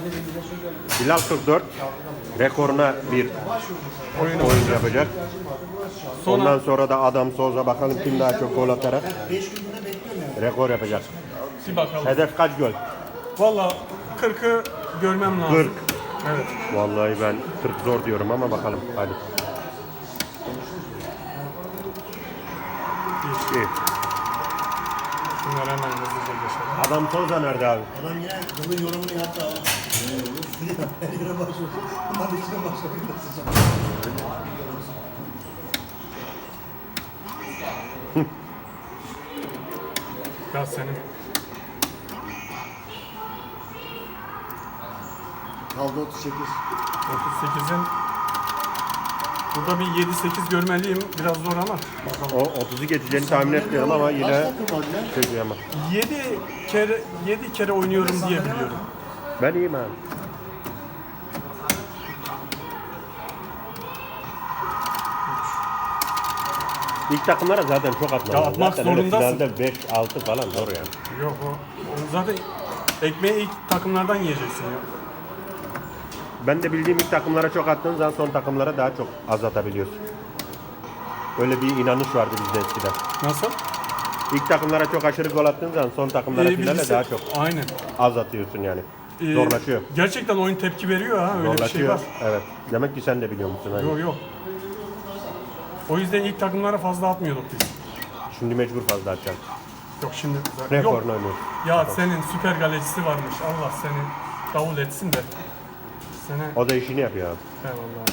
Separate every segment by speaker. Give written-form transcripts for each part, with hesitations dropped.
Speaker 1: Bilal 44 rekoruna bir oyun yapacak. Ondan sonra da Adam Souza bakalım kim daha çok gol atarak rekor yapacak.
Speaker 2: Bir bakalım.
Speaker 1: Hedef kaç gol?
Speaker 2: Valla 40'ı görmem lazım.
Speaker 1: 40.
Speaker 2: Evet.
Speaker 1: Vallahi ben 40 zor diyorum ama bakalım hadi. İyi.
Speaker 2: Şunları hemen hızlıca geçelim.
Speaker 1: Adam Souza nerede abi?
Speaker 3: Adam yine yılın yorumunu yaptı abi. Her yere başlıyor. Bunlar içine başlıyor.
Speaker 2: Ya senin.
Speaker 3: Kaldı 38.
Speaker 2: 38'in burada bir 7-8 görmeliyim. Biraz zor ama.
Speaker 1: O 30'u geçeceğini tahmin etmiyorum ama yine
Speaker 3: Takım var ya.
Speaker 1: şey ama.
Speaker 2: 7 kere oynuyorum diye biliyorum.
Speaker 1: Ben iyiyim abi. İlk takımlara zaten çok atmalı.
Speaker 2: Ya atmak
Speaker 1: zaten öyle
Speaker 2: zorundasın.
Speaker 1: finalde 5-6 falan zor yani.
Speaker 2: Yok o zaten ekmeği ilk takımlardan yiyeceksin ya.
Speaker 1: Ben de bildiğim ilk takımlara çok attığın zaman son takımlara daha çok az atabiliyorsun. Öyle bir inanış vardı bizde eskiden.
Speaker 2: Nasıl?
Speaker 1: İlk takımlara çok aşırı gol attığın zaman son takımlara finale daha çok
Speaker 2: Aynen.
Speaker 1: az atıyorsun yani. Zorlaşıyor.
Speaker 2: Gerçekten oyun tepki veriyor ha. Öyle bir şey
Speaker 1: Zorlaşıyor.
Speaker 2: var.
Speaker 1: Evet. Demek ki sen de biliyor musun? Hani?
Speaker 2: Yok yok. O yüzden ilk takımlara fazla atmıyorduk biz.
Speaker 1: Şimdi mecbur fazla atacağım.
Speaker 2: Yok şimdi. Yok.
Speaker 1: Rekorunu oynuyorsun.
Speaker 2: Ya senin süper galecisi varmış. Allah seni davul etsin de. Seni.
Speaker 1: O da işini yapıyor abi.
Speaker 2: Eyvallah.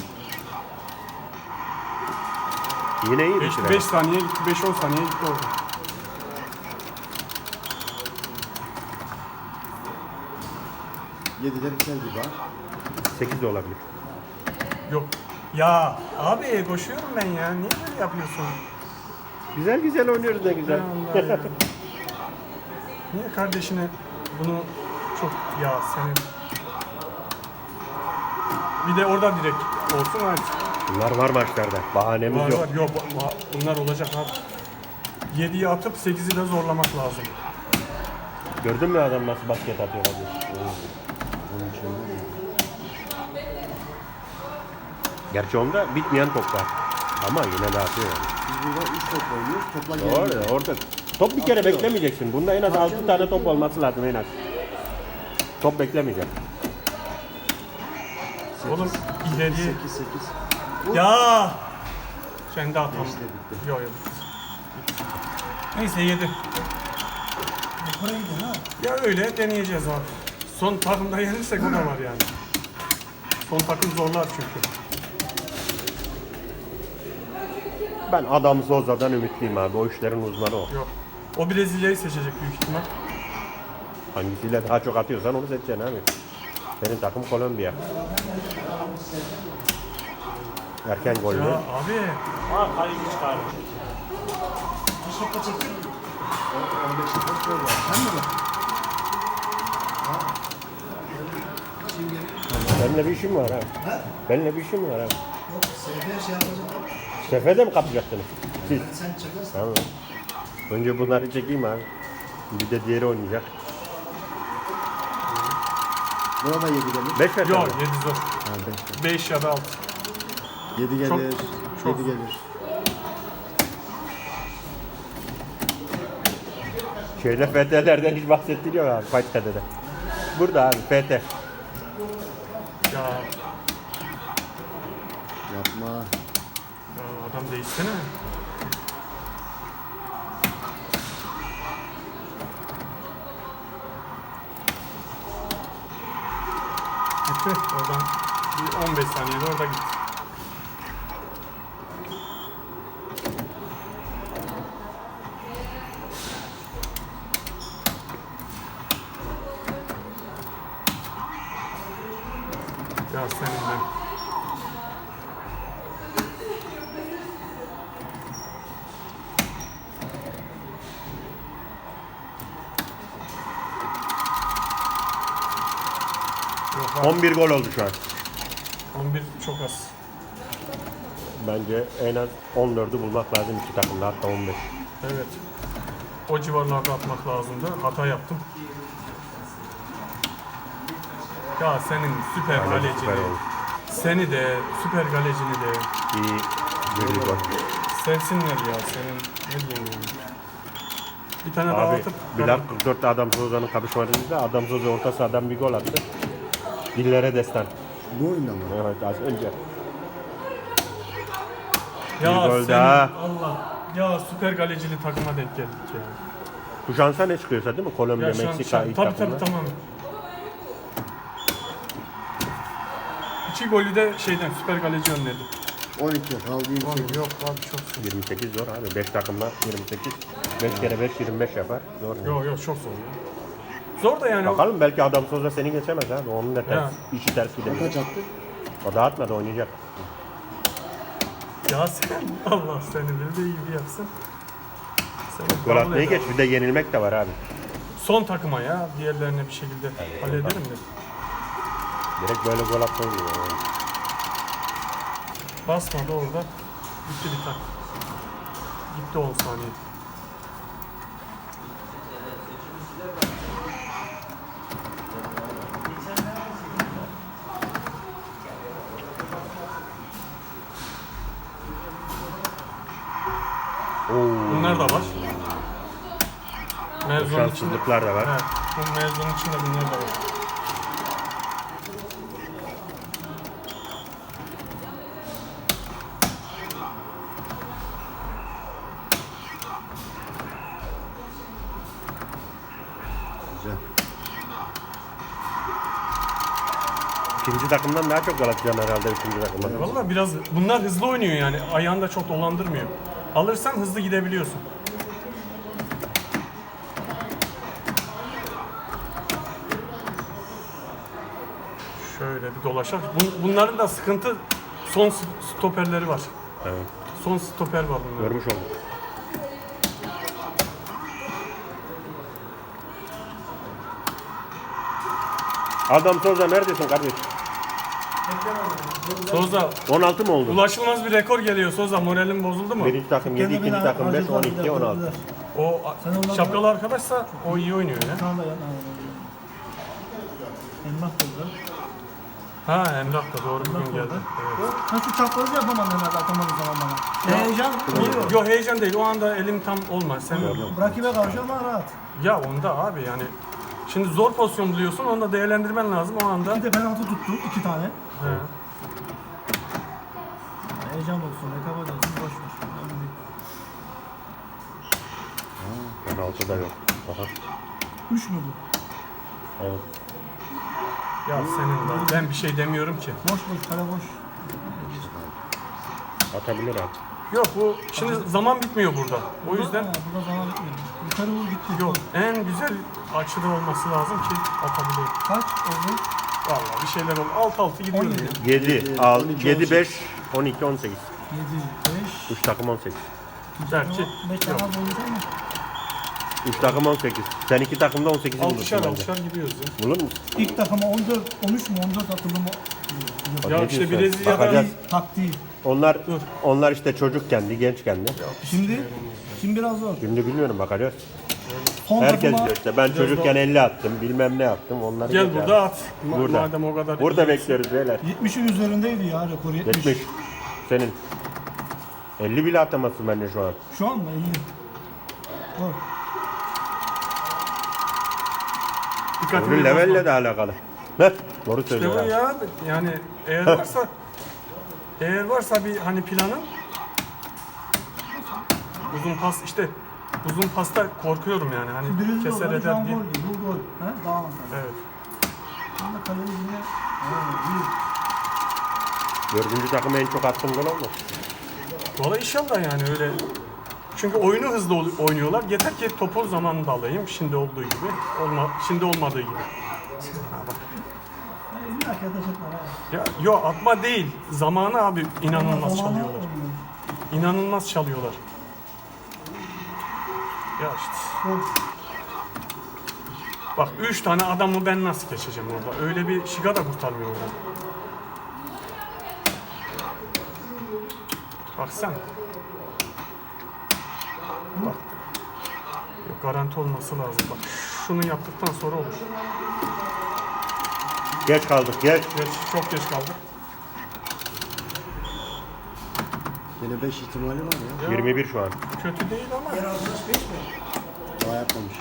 Speaker 1: Yine iyi bir şey.
Speaker 2: 5 saniye gitti, 5-10 saniye gitti orada.
Speaker 3: Yedide biter gibi ha.
Speaker 1: 8 de olabilir.
Speaker 2: Yok. Ya abi koşuyorum ben ya. Niye böyle yapıyorsun?
Speaker 1: Güzel güzel oynuyoruz ne güzel.
Speaker 2: Allah ya. Niye kardeşine bunu çok ya senin. Bir de orada direkt olsun hadi.
Speaker 1: Bunlar var maçlarda. Bahanemiz
Speaker 2: Var
Speaker 1: yok.
Speaker 2: var. Yok bunlar olacak abi. 7'yi atıp 8'i de zorlamak lazım.
Speaker 1: Gördün mü adam nasıl basket atıyor abi? Gerçi onda bitmeyen top var. Ama yine de atıyor yani.
Speaker 3: Biz burada 3 top oynuyoruz. Topla gelmiyor.
Speaker 1: Doğru orada. Top bir kere beklemeyeceksin. Bunda en az 6 tane top olması lazım en az. Top beklemeyecek.
Speaker 2: Oğlum ileriye.
Speaker 3: 8.
Speaker 2: Ya! Sen de atalım.
Speaker 3: Beşte bitti.
Speaker 2: Yok yok. Neyse 7.
Speaker 3: Yukarı gidiyor ha.
Speaker 2: Ya öyle deneyeceğiz abi. Son takımda yenirsek o da var yani. Son takım zorlar çünkü.
Speaker 1: Ben Adam Souza'dan ümitliyim abi. O işlerin uzmanı o.
Speaker 2: Yok. O Brezilya'yı seçecek büyük ihtimal.
Speaker 1: Hangisiyle daha çok atıyorsan onu seçeceksin abi. Senin takım Kolombiya. Erken gol
Speaker 2: Ya
Speaker 1: mü?
Speaker 2: abi.
Speaker 3: Şaka çektim. 15 top gol var. Sen mi bak?
Speaker 1: Benimle bir işim var abi.
Speaker 3: Ha?
Speaker 1: Benimle bir işim var abi.
Speaker 3: Yok. Sefer şey yapacak.
Speaker 1: Sefede mi kapacaksınız? Siz.
Speaker 3: Sen çakarsın.
Speaker 1: Tamam. Önce bunları çekeyim abi. Bir de diğeri oynayacak.
Speaker 3: Buna da 7 gelir.
Speaker 1: 5 ver.
Speaker 2: Yok
Speaker 1: tabii.
Speaker 2: 7 zor.
Speaker 3: Ha 5.
Speaker 2: 5 ya da 6.
Speaker 3: 7 gelir.
Speaker 2: çok.
Speaker 3: 7 gelir.
Speaker 1: Şeyde FT'lerden hiç bahsettiriyor abi. Fight FT'de. Burada abi FT.
Speaker 2: Ya,
Speaker 3: Yapma.
Speaker 2: ya adam değişsene. Gitti. Oradan bir 15 saniyede orada gitti. Ya seninle. Yok abi,
Speaker 1: 11 gol oldu şu an.
Speaker 2: 11 çok az.
Speaker 1: Bence en az 14'ü bulmak lazım iki takımda, hatta 15.
Speaker 2: Evet. O civarlarda atmak lazımdı. Hata yaptım. Ya senin süper
Speaker 1: Aynen,
Speaker 2: kalecini,
Speaker 1: süper oldu.
Speaker 2: seni de, süper kalecini de
Speaker 1: İyi bir gol.
Speaker 2: sevsinler ya senin ne diyeyim yani. Bir tane daha
Speaker 1: Abi
Speaker 2: atıp
Speaker 1: Bilal 44'te Adam Soza'nın kapışmasında Adam Soza orta sahadan bir gol attı. Dillere destan.
Speaker 3: Bu oyunda mı?
Speaker 1: Evet az önce.
Speaker 2: ya
Speaker 1: bir gol
Speaker 2: senin,
Speaker 1: daha.
Speaker 2: Allah ya süper kalecili takıma denk geldik ya.
Speaker 1: Bu şansa ne çıkıyorsa değil mi? Kolombiya,
Speaker 2: Ya
Speaker 1: Meksika ilk
Speaker 2: tabii
Speaker 1: takımlar.
Speaker 2: tamam. İki golü de şeyden süper kaleci önledi.
Speaker 3: 12 kaldı 28.
Speaker 2: Yok abi çok
Speaker 1: 28 zor abi. 5 takımla 28. 5 kere 5 25 yapar. Zor.
Speaker 2: Yok çok zor ya. Zor da yani.
Speaker 1: Bakalım belki Adam Soza seni geçemez abi. Onun da ters,
Speaker 2: Ya.
Speaker 1: işi ters gidebilir.
Speaker 3: Kaç attı?
Speaker 1: O da atmadı oynayacak.
Speaker 2: Ya sen Allah seni de iyi bir yapsın. Seni
Speaker 1: Gol
Speaker 2: kabul
Speaker 1: atmayı
Speaker 2: eder.
Speaker 1: geç bir de yenilmek de var abi.
Speaker 2: Son takıma ya. Diğerlerine bir şekilde hallederim de.
Speaker 1: Direkt böyle gol atmayı diyor. Yani.
Speaker 2: Basmadı orada. Gitti bir tak. Gitti 10 saniye. Bunlar da var. Mevzunun içinde.
Speaker 1: Şanssızlıklar da var.
Speaker 2: Evet. Bu mevzunun içinde bunlar da var.
Speaker 3: Güzel.
Speaker 1: İkinci takımdan daha çok gol atacaksın herhalde üçüncü takımdan.
Speaker 2: Valla biraz bunlar hızlı oynuyor yani. Ayağını da çok dolandırmıyor. Alırsan hızlı gidebiliyorsun. Şöyle bir dolaşalım. Bunların da sıkıntı son stoperleri var.
Speaker 1: Evet.
Speaker 2: Son stoper var bunların.
Speaker 1: Görmüş olduk. Adam Soza neredesin kardeş?
Speaker 2: Soza
Speaker 1: 16 mı oldu?
Speaker 2: ulaşılmaz bir rekor geliyor Soza. Moralin bozuldu mu?
Speaker 1: Birinci takım 7, ikinci takım 5, 12, 16.
Speaker 2: O şapkalı arkadaşsa o iyi oynuyor ya.
Speaker 4: Tamam da Emrah burada.
Speaker 2: Ha Emrah da doğru bugün geldi. Evet.
Speaker 4: Nasıl çaprazı yapamadım herhalde atamadım zaman bana. Heyecan oluyor.
Speaker 2: Yok heyecan değil. O anda elim tam olmaz. Sen
Speaker 4: Rakibe karşı ama rahat.
Speaker 2: ya onda abi yani şimdi zor pozisyon buluyorsun. Onu da değerlendirmen lazım o anda.
Speaker 4: Bir de penaltı tuttu 2 tane.
Speaker 2: He.
Speaker 4: Heyecan olsun, rekabet olsun, boş ver. Önemli değil.
Speaker 1: Penaltı da yok. Aha.
Speaker 4: 3 mü bu?
Speaker 1: Evet.
Speaker 2: Ya senin de. Ben bir şey demiyorum ki.
Speaker 4: Boş boş, kale boş.
Speaker 1: Atabilir abi.
Speaker 2: Yok bu şimdi zaman bitmiyor burada. O yüzden
Speaker 4: Burada zaman bitmiyor. Yukarı vur gitti.
Speaker 2: yok. En güzel açıda olması lazım ki atabilir.
Speaker 4: Kaç oldu?
Speaker 2: Vallahi bir şeyler oldu. 6-6 gidiyorum
Speaker 4: 17.
Speaker 2: ya.
Speaker 1: 7, 6, 7, 5, 12, 18.
Speaker 4: 7, 5.
Speaker 1: 3 takım 18.
Speaker 2: Belki
Speaker 4: 5 tane
Speaker 2: yok.
Speaker 4: az olacak mı?
Speaker 1: 3 takım 18. Sen 2 takımda 18'i bulursun
Speaker 2: Alkışar
Speaker 1: bence.
Speaker 2: alkışar gidiyoruz ya.
Speaker 1: Bulur musun?
Speaker 4: İlk takıma 14, 13 mü 14 atıldı mı?
Speaker 1: Bak
Speaker 2: Ya
Speaker 1: ne
Speaker 2: işte
Speaker 1: diyorsun?
Speaker 2: Brezilya'da-
Speaker 1: Bakacağız.
Speaker 4: Taktiği.
Speaker 1: Onlar işte çocuk kendi, genç kendi.
Speaker 4: Şimdi biraz zor.
Speaker 1: Şimdi bilmiyorum bakacağız.
Speaker 4: Son
Speaker 1: Herkes
Speaker 4: takıma
Speaker 1: diyor işte ben çocukken 50 attım, bilmem ne yaptım. Onları
Speaker 2: Gel
Speaker 1: geç
Speaker 2: burada
Speaker 1: abi.
Speaker 2: at.
Speaker 1: Burada.
Speaker 2: Madem o kadar
Speaker 1: Burada
Speaker 2: iyi.
Speaker 1: bekliyoruz beyler.
Speaker 4: 70'in üzerindeydi ya rekor 70.
Speaker 1: 70. Senin. 50 bile atamazsın bence şu an.
Speaker 4: Şu an mı 50? Zor.
Speaker 2: Dikkatimi
Speaker 1: Onun levelle
Speaker 2: bozma.
Speaker 1: de alakalı. Heh, doğru
Speaker 2: İşte
Speaker 1: söylüyor
Speaker 2: bu
Speaker 1: abi.
Speaker 2: ya yani eğer varsa bir hani planın uzun pas işte uzun pasta korkuyorum yani hani
Speaker 4: Birinci
Speaker 2: keser
Speaker 4: olarak şu an
Speaker 2: eder diye.
Speaker 4: gol değil. Bu gol. He? Daha avantajlı.
Speaker 2: Evet.
Speaker 4: Şimdi kaleyi yine...
Speaker 1: Dördüncü takım en çok attığın gol olmaz.
Speaker 2: Valla inşallah yani öyle. Çünkü oyunu hızlı oynuyorlar. Yeter ki topu zamanında alayım. Şimdi olduğu gibi. Şimdi olmadığı gibi.
Speaker 4: İlla ki ateş etme.
Speaker 2: Ya, yok atma değil. Zamanı abi inanılmaz çalıyorlar. İnanılmaz çalıyorlar. Ya işte. Bak 3 tane adamı ben nasıl geçeceğim orada? Öyle bir şiga da kurtarmıyor orada. Bak sen. Bak. Yok, garanti olması lazım. Bak şunu yaptıktan sonra olur.
Speaker 1: Geç kaldık geç.
Speaker 2: Çok geç kaldık.
Speaker 3: Yine 5 ihtimali var ya.
Speaker 1: 21 şu an.
Speaker 2: Kötü değil ama.
Speaker 3: Diğer arkadaş 5 mi? Daha yapmamış.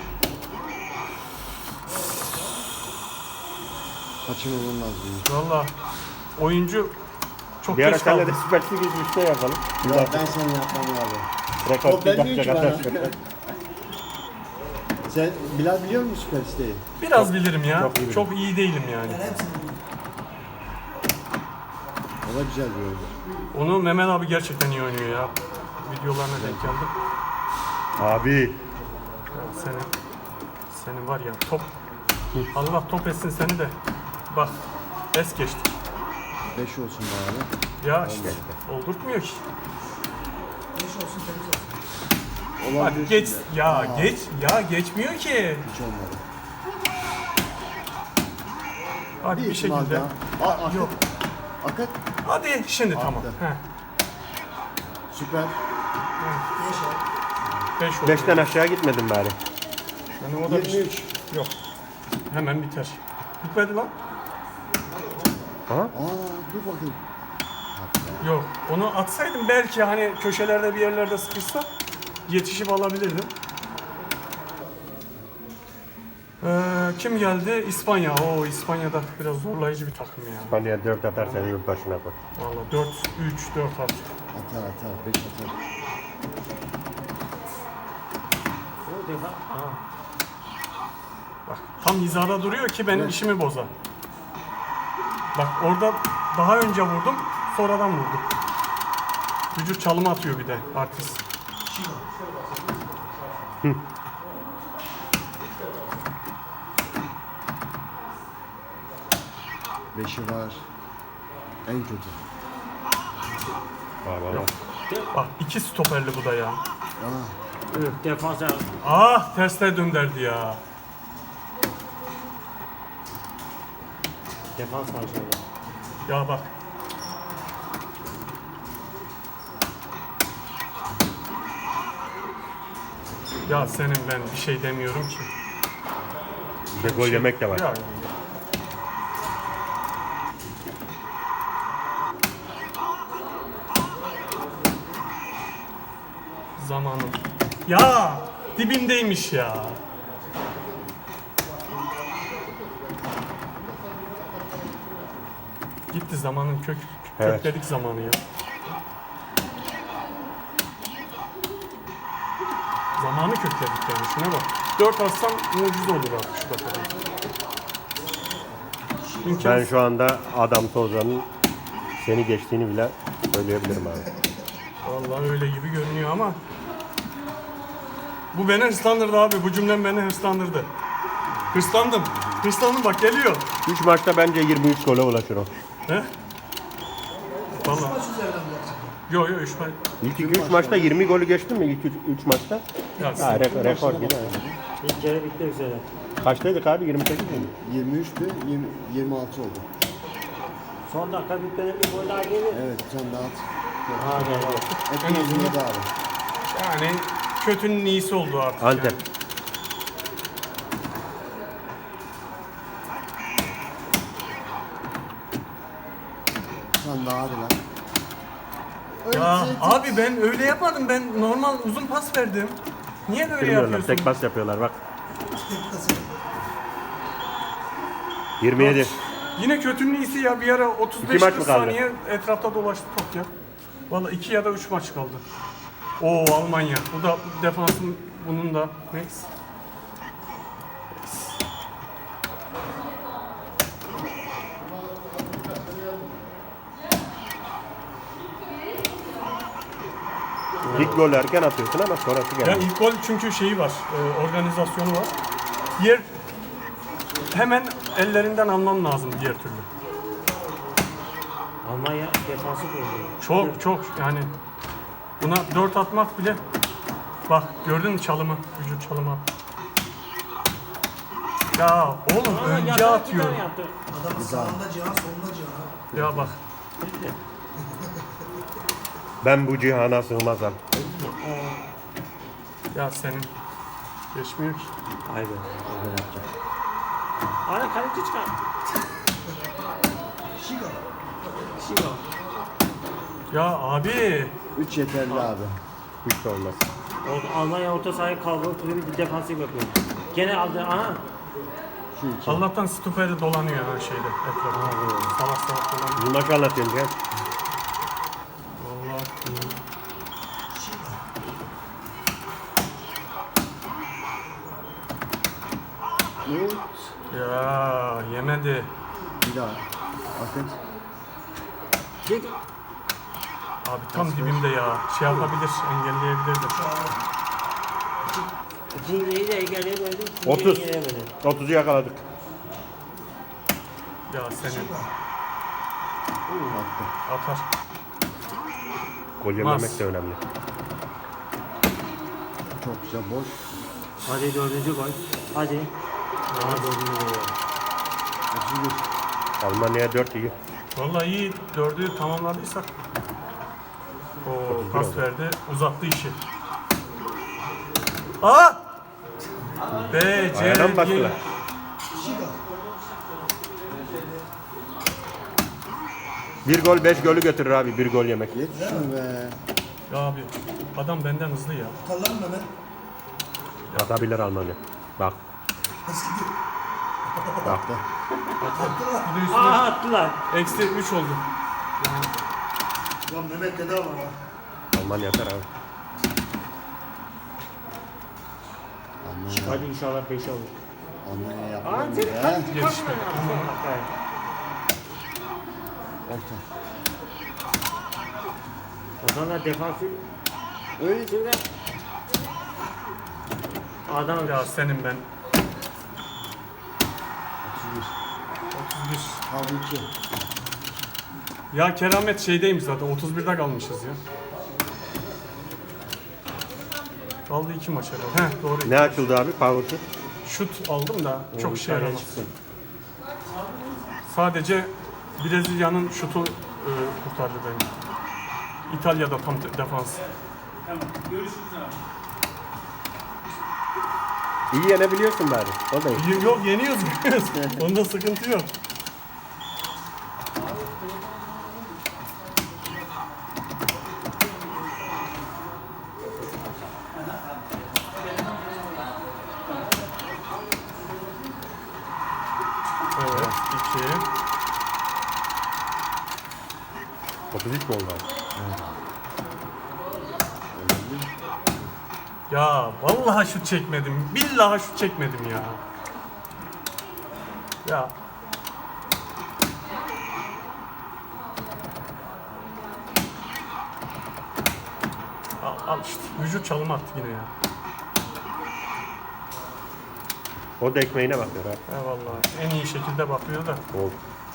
Speaker 3: Kaçırmamam lazım.
Speaker 2: Valla oyuncu çok
Speaker 1: Bir ara
Speaker 2: geç
Speaker 1: senle
Speaker 2: kaldı.
Speaker 1: de Süper Lig üstte yapalım.
Speaker 3: Ya ben seni yapmam abi.
Speaker 1: Rekor
Speaker 3: Top vermiyor ki bana.
Speaker 1: atarsın.
Speaker 3: Sen Bilal biliyor musun Süper Site'yi?
Speaker 2: Biraz bilirim ya.
Speaker 1: çok iyi
Speaker 2: Çok iyi değilim yani.
Speaker 3: O da güzel bir oyuncu.
Speaker 2: Onu Mehmet abi gerçekten iyi oynuyor ya. Videolarına denk geldim.
Speaker 1: Abi.
Speaker 2: Ya senin var ya top. Allah top etsin seni de. Bak es geçti.
Speaker 3: 5 olsun bari.
Speaker 2: Ya işte oldurtmuyor ki.
Speaker 3: Olan
Speaker 2: Hadi
Speaker 3: bir
Speaker 2: geç
Speaker 3: şimdi.
Speaker 2: ya geç ya geçmiyor ki.
Speaker 3: Hiç olmadı.
Speaker 2: Hadi bir
Speaker 3: ihtimal
Speaker 2: şekilde.
Speaker 3: daha. Akıt.
Speaker 2: Yok.
Speaker 3: Akıt.
Speaker 2: Hadi şimdi tamam.
Speaker 3: Attı.
Speaker 2: Heh.
Speaker 3: Süper.
Speaker 2: 5 oldu.
Speaker 1: 5'ten aşağı gitmedim bari.
Speaker 2: Yani o da
Speaker 3: 23.
Speaker 2: yok. Hemen biter. Bitmedi lan.
Speaker 1: Aha.
Speaker 3: Dur bakayım.
Speaker 2: Yok. Onu atsaydım belki hani köşelerde bir yerlerde sıkışsa yetişip alabilirdim. Kim geldi? İspanya. Oo İspanya'da biraz zorlayıcı bir takım ya.
Speaker 1: İspanya 4 atar seni yurt başına koy.
Speaker 2: Vallahi 4 3 4 at.
Speaker 3: Atar. 5 atar.
Speaker 2: Bak tam hizada duruyor ki benim işimi bozar. Bak orada daha önce vurdum, sonradan vurdum. Vücut çalımı atıyor bir de artist.
Speaker 3: Beşi var. En kötü.
Speaker 2: Bak iki stoperli bu da ya.
Speaker 5: Defansa
Speaker 2: Ah tersine dönderdi ya.
Speaker 5: defans harcıyor.
Speaker 2: Ya bak. Ya senin ben bir şey demiyorum ki.
Speaker 1: Bir de gol yemek de var.
Speaker 2: Ya. Zamanım. Ya dibindeymiş ya. Gitti zamanın
Speaker 1: Evet.
Speaker 2: kökledik zamanı ya. Zamanı kökledik yani şuna bak. 4 atsam mucize olur artık şu dakikada.
Speaker 1: Ben
Speaker 2: İmkansız.
Speaker 1: şu anda Adam Soza'nın seni geçtiğini bile söyleyebilirim abi.
Speaker 2: Vallahi öyle gibi görünüyor ama bu beni hırslandırdı abi. Bu cümlem beni hırslandırdı. Hırslandım. Hırslandım bak geliyor.
Speaker 1: 3 maçta bence 23 gole ulaşır o.
Speaker 2: He? Vallahi. Yo 3 maç.
Speaker 1: İlk 2-3 maçta 20 golü geçtin mi ilk 3 maçta?
Speaker 2: Ya
Speaker 1: Ha, rekor yine.
Speaker 5: İlk kere bitmek üzere.
Speaker 1: Kaçtaydık abi? 28 miydi?
Speaker 3: 23'tü. 26 oldu.
Speaker 5: Son dakika bitmeden bir gol daha gelir.
Speaker 3: Evet sen daha at.
Speaker 5: Ha geldi.
Speaker 3: Hepimiz yedi abi.
Speaker 2: Yani kötünün iyisi oldu artık.
Speaker 1: Antep.
Speaker 2: Yani.
Speaker 3: Sen daha hadi lan.
Speaker 2: Ya abi ben öyle yapmadım. Ben normal uzun pas verdim. Niye böyle
Speaker 1: Bilmiyorlar.
Speaker 2: yapıyorsun?
Speaker 1: Tek pas yapıyorlar bak. 27.
Speaker 2: Yine kötünün iyisi ya. Bir ara 35-40
Speaker 1: İki maç mı kaldı?
Speaker 2: saniye etrafta dolaştı top ya. Vallahi 2 ya da 3 maç kaldı. Oo Almanya. Bu da defansın bunun da. Neyse.
Speaker 1: İlk golü erken atıyorsun ama sonrası
Speaker 2: Ya
Speaker 1: geldi.
Speaker 2: ilk gol çünkü şeyi var, organizasyonu var. Diğer hemen ellerinden alman lazım diğer türlü.
Speaker 5: Almanya defansı bozuyor.
Speaker 2: Çok yani buna 4 atmak bile bak gördün mü çalımı, vücut çalımı. Ya oğlum önce atıyor.
Speaker 3: Adamın sağında Cihan solunda Cihan.
Speaker 2: Ya bak
Speaker 1: Ben bu cihana sığmazam.
Speaker 2: ya senin geçmiyor ki.
Speaker 5: Vay be. Öyle yapacak. Ana kaleci çıkar.
Speaker 2: Ya abi.
Speaker 3: 3 yeterli abi.
Speaker 1: Hiç de olmaz.
Speaker 5: Almanya orta sahayı kavgalı türlü bir defansif yapıyor. Gene aldı. Aha.
Speaker 3: Şu 2.
Speaker 2: Allah'tan stuperi dolanıyor ha şeyde etrafında. Salak salak dolanıyor.
Speaker 1: Bu maçı anlatıyorsun ya.
Speaker 2: Vallahi.
Speaker 3: Evet.
Speaker 2: Ya yemedi.
Speaker 3: Bir daha. Bakın.
Speaker 5: Çek.
Speaker 2: Abi tam dibimde ya. Şey yapabilir, engelleyebilirdi.
Speaker 5: Zingeyi de engelleyemedim.
Speaker 1: 30. 30'u yakaladık.
Speaker 2: Ya senin
Speaker 3: Attı.
Speaker 2: atar.
Speaker 1: Gol yememek de önemli.
Speaker 3: Çok güzel boş.
Speaker 5: Hadi 4. gol. Hadi. Aha 4. gol.
Speaker 3: 31.
Speaker 1: Almanya 4 iyi.
Speaker 2: Vallahi iyi. 4'ü tamamladıysak. O pas verdi. Uzattı işi. Aa! B, C,
Speaker 1: Ayağına mı
Speaker 2: G.
Speaker 1: bastılar? Bir gol 5 golü götürür abi, bir gol yemek.
Speaker 3: Geç şunu be.
Speaker 2: Ya abi adam benden hızlı ya.
Speaker 3: Atalım mı Mehmet?
Speaker 1: Atabilir Almanya. Bak. Bak.
Speaker 2: Bir de üstüne
Speaker 5: Aha attılar.
Speaker 2: eksi 3 oldu.
Speaker 3: Lan Mehmet dede var ha.
Speaker 1: Almanya atar abi.
Speaker 5: Hadi inşallah 5 olur.
Speaker 3: Almanya yaptı.
Speaker 5: Aa sen
Speaker 3: Ya.
Speaker 5: kaç
Speaker 2: Gelişme.
Speaker 3: Orta.
Speaker 5: O zaman defansif.
Speaker 3: Öyle.
Speaker 5: Şimdi adam
Speaker 2: Ya senin ben
Speaker 3: 31.
Speaker 2: 31.
Speaker 3: Kaldı 2.
Speaker 2: Ya keramet şeydeymiş zaten 31'de kalmışız ya. Kaldı 2 maç herhalde. Heh doğru.
Speaker 1: Ne açıldı abi? Power shoot.
Speaker 2: Şut aldım da çok şey
Speaker 5: İtalya
Speaker 2: yaramaz.
Speaker 5: çıksın.
Speaker 2: Sadece Brezilya'nın şutu kurtardı beni. İtalya'da tam defans.
Speaker 1: İyi yenebiliyorsun bari. O da iyi.
Speaker 2: Yok yeniyoruz. Onda sıkıntı yok. Evet, 2.
Speaker 1: 33 mi oldu abi?
Speaker 2: Ya vallahi şut çekmedim. Billahi şut çekmedim ya. Ya. Al işte. Vücut çalım attı yine ya.
Speaker 1: O da ekmeğine bakıyor abi.
Speaker 2: Eyvallah. En iyi şekilde bakıyor da.
Speaker 1: Oldu.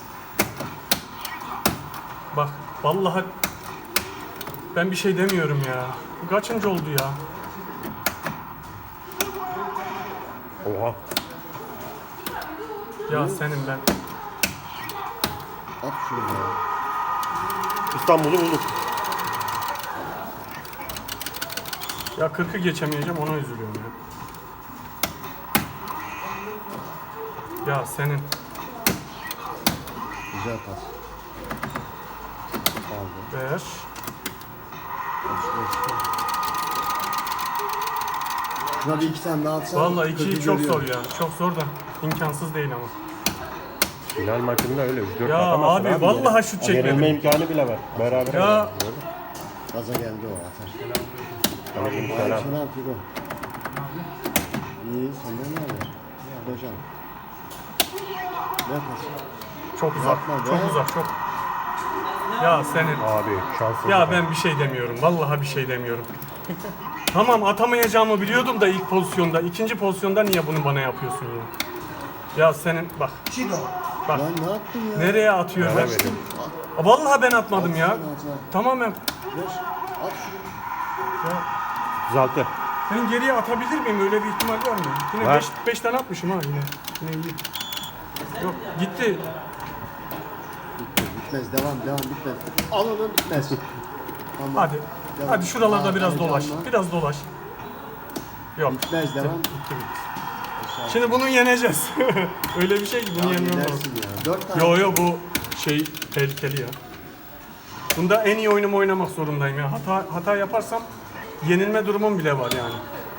Speaker 2: Bak vallahi ben bir şey demiyorum ya. Bu kaçıncı oldu ya?
Speaker 1: Oha.
Speaker 2: Ya senin ben.
Speaker 3: At şunu be.
Speaker 1: İstanbul'u bulduk.
Speaker 2: Ya 40'ı geçemeyeceğim ona üzülüyorum ya. Ya senin.
Speaker 3: Güzel pas. Kaldı.
Speaker 2: Ver.
Speaker 3: 35. Şuna bir 2 tane daha atsan.
Speaker 2: Vallahi 2'yi
Speaker 3: kötü
Speaker 2: çok
Speaker 3: görüyor.
Speaker 2: zor ya. Çok zor da imkansız değil ama.
Speaker 1: Final maçında öyle 3-4
Speaker 2: Ya
Speaker 1: atamazsın
Speaker 2: abi, vallahi şut çekmedim.
Speaker 1: Yenilme imkanı bile var. Beraber.
Speaker 2: Ya.
Speaker 3: Gaza geldi o atar.
Speaker 1: Aleyküm
Speaker 3: Hayır
Speaker 1: selam.
Speaker 3: şunu al Figo. İyi senden ne haber? Hocam. Ver pası.
Speaker 2: Çok uzak.
Speaker 3: Yapma be.
Speaker 2: Çok uzak. Çok. Ya senin.
Speaker 1: Abi şanssız.
Speaker 2: Ya ben bir şey demiyorum. Vallahi bir şey demiyorum. Tamam atamayacağımı biliyordum da ilk pozisyonda. İkinci pozisyonda niye bunu bana yapıyorsun ya? Ya senin bak. Bak.
Speaker 3: Lan ne yaptın ya?
Speaker 2: Nereye atıyor?
Speaker 1: Bana verin.
Speaker 2: Vallahi ben atmadım ya.
Speaker 3: At.
Speaker 2: Tamamen.
Speaker 3: Ver. At şunu.
Speaker 2: Ya,
Speaker 1: 36.
Speaker 2: ben geriye atabilir miyim? Öyle bir ihtimal var mı? Yine
Speaker 1: Var.
Speaker 2: 5 tane atmışım ha yine. Yine iyi. Yok gitti.
Speaker 3: Bitmez. Devam. Bitmez. Al onu bitmez. Tamam.
Speaker 2: Hadi.
Speaker 3: Devam.
Speaker 2: Hadi şuralarda
Speaker 3: Aa,
Speaker 2: biraz
Speaker 3: heyecanlı.
Speaker 2: dolaş. Biraz dolaş. Yok.
Speaker 3: Bitmez. Devam.
Speaker 2: Şimdi bunu yeneceğiz. Öyle bir şey ki bunu
Speaker 3: Abi
Speaker 2: yenmem lazım.
Speaker 3: gidersin ya. 4 tane.
Speaker 2: Yo bu şey tehlikeli ya. Bunda en iyi oyunumu oynamak zorundayım ya. Hata yaparsam yenilme durumum bile var yani.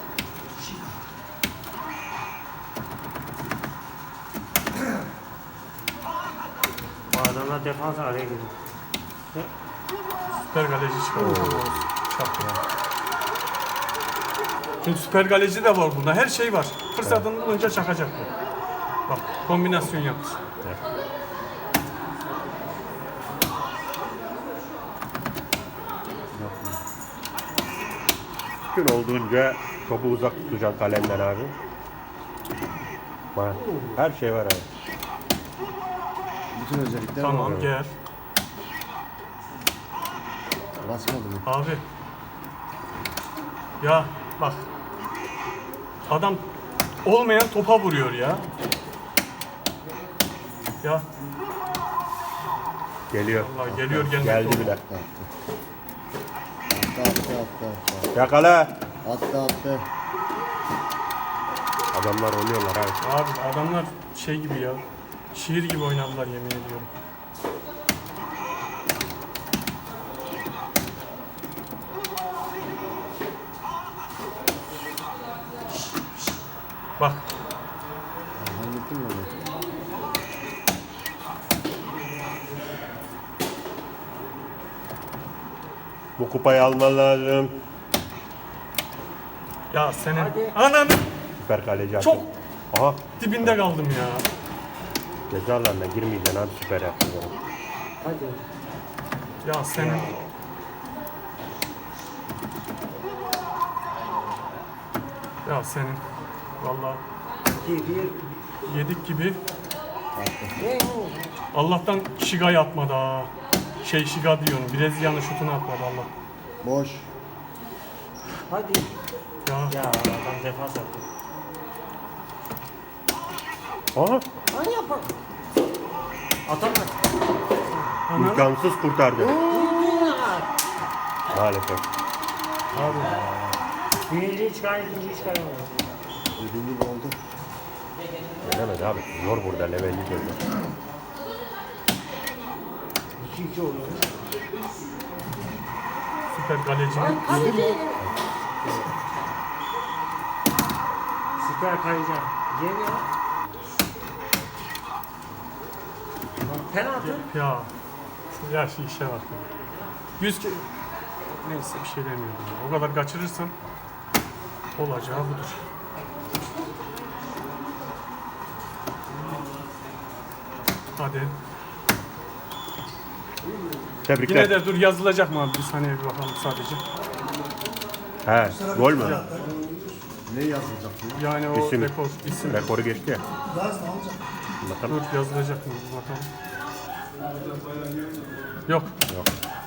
Speaker 5: Bu adamlar defans araya giriyor.
Speaker 2: Süper kaleci çıkarıyor. Çaktı ya. Çünkü süper kaleci de var bunda. Her şey var. Fırsatını bulunca çakacak bu. Bak kombinasyon yapmış.
Speaker 1: Mümkün olduğunca topu uzak tutacaksın kalenden abi. Var. Her şey var abi.
Speaker 3: Bütün özellikler
Speaker 2: Tamam
Speaker 3: var.
Speaker 2: gel.
Speaker 3: Basmadı mı?
Speaker 2: Abi. Ya bak. Adam olmayan topa vuruyor ya. Ya
Speaker 1: Geliyor.
Speaker 2: vallahi geliyor gelmek
Speaker 1: Geldi
Speaker 2: doğru.
Speaker 1: bile.
Speaker 3: Attı.
Speaker 1: Yakala.
Speaker 3: Attı.
Speaker 1: Adamlar oynuyorlar abi.
Speaker 2: Abi adamlar şey gibi ya. Şiir gibi oynadılar yemin ediyorum. Bak
Speaker 3: Hallettin mi onu?
Speaker 1: Bu kupayı alman lazım.
Speaker 2: ya senin ananı
Speaker 1: Süper kaleci
Speaker 2: çok
Speaker 1: attı. Aha.
Speaker 2: dibinde kaldım ya.
Speaker 1: Cezalarına girmeyeceksin abi, süper yaptın.
Speaker 5: Hadi.
Speaker 2: Ya senin ya senin vallahi yedik gibi. Allah'tan Şiga atmadı ha. Şiga diyorum. Brezilya'nın şutunu atmadı Allah.
Speaker 3: Boş.
Speaker 5: Hadi.
Speaker 2: Ya
Speaker 5: Ya adam defans yaptı.
Speaker 1: Aha.
Speaker 5: Hadi yapalım. Atamaz.
Speaker 2: ananı
Speaker 1: İmkansız kurtardı. Maalesef.
Speaker 2: abi.
Speaker 5: Birinciyi çıkar, ikinciyi çıkaramıyor.
Speaker 3: Dediğim gibi oldu.
Speaker 1: Gelemedi abi. Zor burada, levelli zor.
Speaker 5: 2-2 oluyor.
Speaker 2: Süper kalecinin
Speaker 5: Süper kayacağım. Geliyor. Penaltı.
Speaker 2: ya şu işe bak. 100 ke... Neyse bir şey demiyorum ya. O kadar kaçırırsam olacağı budur. Hadi.
Speaker 1: Tebrikler.
Speaker 2: Yine de dur yazılacak mı abi? Bir saniye bir bakalım sadece.
Speaker 1: He, gol mü?
Speaker 3: Ne yazılacak bu?
Speaker 2: Yani o
Speaker 1: İsim.
Speaker 2: rekor, isim.
Speaker 1: Rekoru geçti ya.
Speaker 3: Gaz ne olacak?
Speaker 1: Bakalım.
Speaker 2: Dur yazılacak mı? Bir bakalım. Yok.
Speaker 1: Yok.